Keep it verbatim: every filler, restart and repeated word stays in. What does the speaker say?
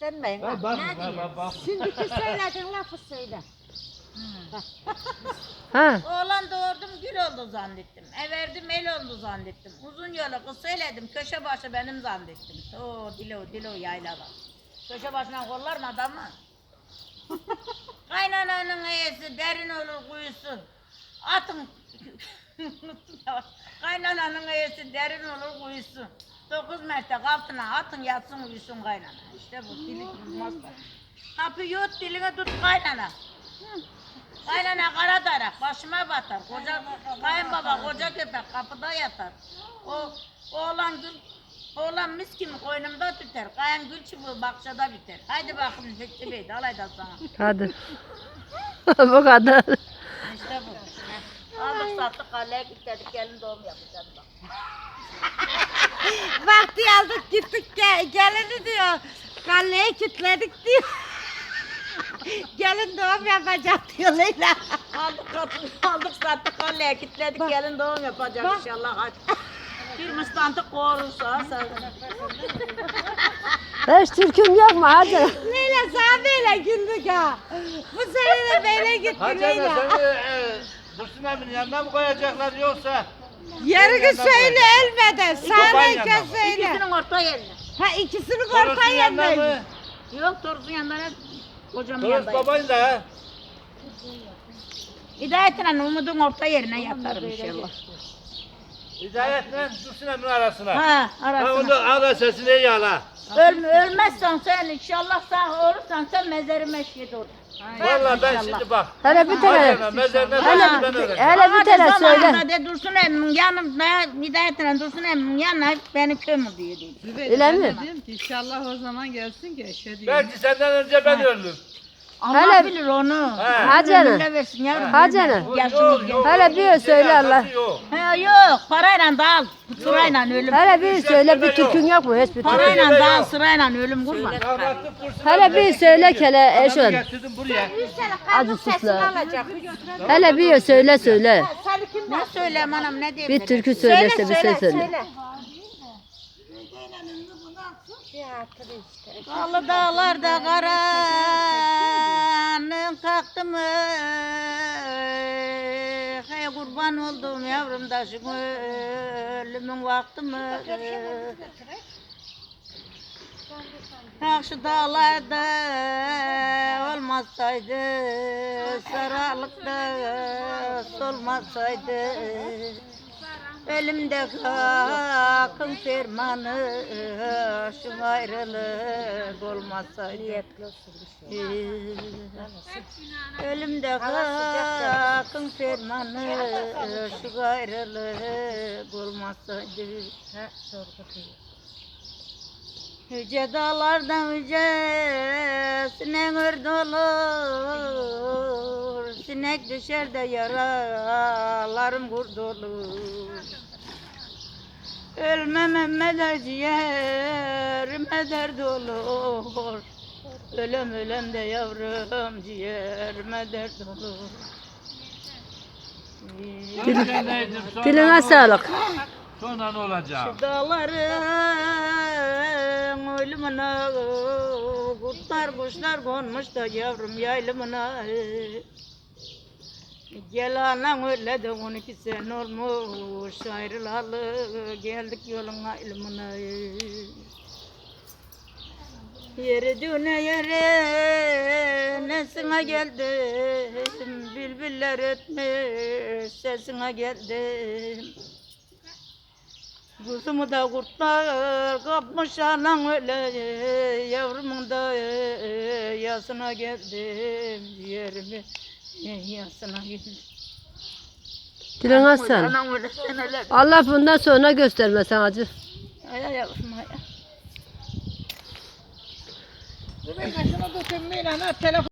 kitlenmeyin. Ha, Bak. bak, Ne bak, diyor? bak, bak. Şimdiki söylediğin lafı söyle. Ha. Oğlan doğurdum gül oldu zannettim. Everdim el oldu zannettim. Uzun yolu kız söyledim köşe başı benim zannettim. Oo dilo dilo yaylada. Köşe başına kollar mı adamı? Kaynananın eyesi derin olur kuyusu. Atın unuttum ya. Kaynananın eyesi derin olur kuyusu. Dokuz mertek altına atın yatsın uyusun kaynana. İşte bu dili durmaz da. Kapı yut dilini tut kaynana. Kaynana kara darak başıma batar. Koca kayınbaba koca köpek kapıda yatar. O oğlan gül oğlan mis gibi koynumda tüter. Kayın gül çubuğu bakçada biter. Haydi bakın Zeki Bey dalay da sana. Hadi. Bu kadar. İşte bu. Aldık sattık kaleye gittik gelin doğum yapacağız bak. Vakti aldık gittik gel, gelini diyor. Kalleyi kilitledik diyor. Gelin doğum yapacak diyor Leyla. Aldık kapıyı aldık sattık kaleye gittik Bak. gelin doğum yapacak Bak. inşallah hadi. Bir mıstantı korursa sen. Hiç türküm yok mu hacı? Leyla sana böyle güldük ha. Bu sene de böyle gitti Hacı Leyla. ana seni e, Dursun abinin yanına mı koyacaklar yoksa? Yarını yanına söyle koyacaklar. ölmeden. babanın Sana yanına önce mı? söyle. İkisinin orta yerine. Ha ikisini Toros'un orta yanına yerine. mı? Yok Toros'un yanında ne? Kocam Toros yanında. babayın da ha. Hidayetle Umut'un orta yerine yatarım inşallah. Hidayetle Dursun abinin arasına. Ha Ha arasına. onu ara sesini iyi ala. Ölme, ölmezsen sen inşallah sağ olursan sen mezarıma eşit ol. Valla ben İnşallah. şimdi bak. Hele bir Hacı tane. ana mezarına Hele- ben ben öğrendim. Hele bir tane söyle. Zamanında de Dursun emmin yanımda Hidayetle Dursun emmin yanına beni kömür diyor dedi. Öyle mi? Dedim ki inşallah o zaman gelsin ki eşe diyeyim. Belki senden önce ben öldüm. Allah Hele- bilir onu. He. Hacı ana. Ömrüne versin yavrum. Hacı ölme. ana. Yaşımız yok. Hele bir söyle Allah. Yok. He, yok parayla da al. Sırayla ölüm. Hele bir söyle bir türkün yok mu? Hiçbir türkün. Parayla Söyle da al yok. sırayla ölüm kurban. Rahmetli Dursun Hele abi bir resim söyle çekiyor. kele eş Adamı ol. getirdim buraya. Acı susla. alacak. Hele bir söyle söyle. Ne söyleyeyim anam ne diyeyim? Bir türkü söyle işte bir şey söyle. Dağlı dağlarda karanın kalktı mı? Hey kurban oldum yavrum taşım ölümün vakti mi? Karşı dağlarda olmasaydı, sararlıkta solmasaydı, elimde hakkın fermanı, şu ayrılık olmasaydı. Elimde hakkın fermanı, şu ayrılık olmasaydı. Yüce dağlardan yücesine örd olur, sinek düşer de yaralarım kurtulur. Ölmem de ciğerime dert olur, ölem ölem de yavrum ciğerime dert olur. Diline sağlık. Sonra ne olacak? Dağların ölümüne kurtlar kuşlar konmuş da yavrum yaylımına. Gel anan öyle de on iki sene olmuş ayrılalı geldik yolun ayrımına. Yere düne yere nesine geldim, bülbüller ötmüş sesine geldim. Kuzumu da kurtlar kapmış anan öyle, yavrumun da yasına geldim, ciğerimi yasına geldim. Diline sağlık. Anan öyle seneler. Allah bundan sonra göstermesin acı. Ay ay yavrum ay. Ben şunu tutayım Milan ha telefon.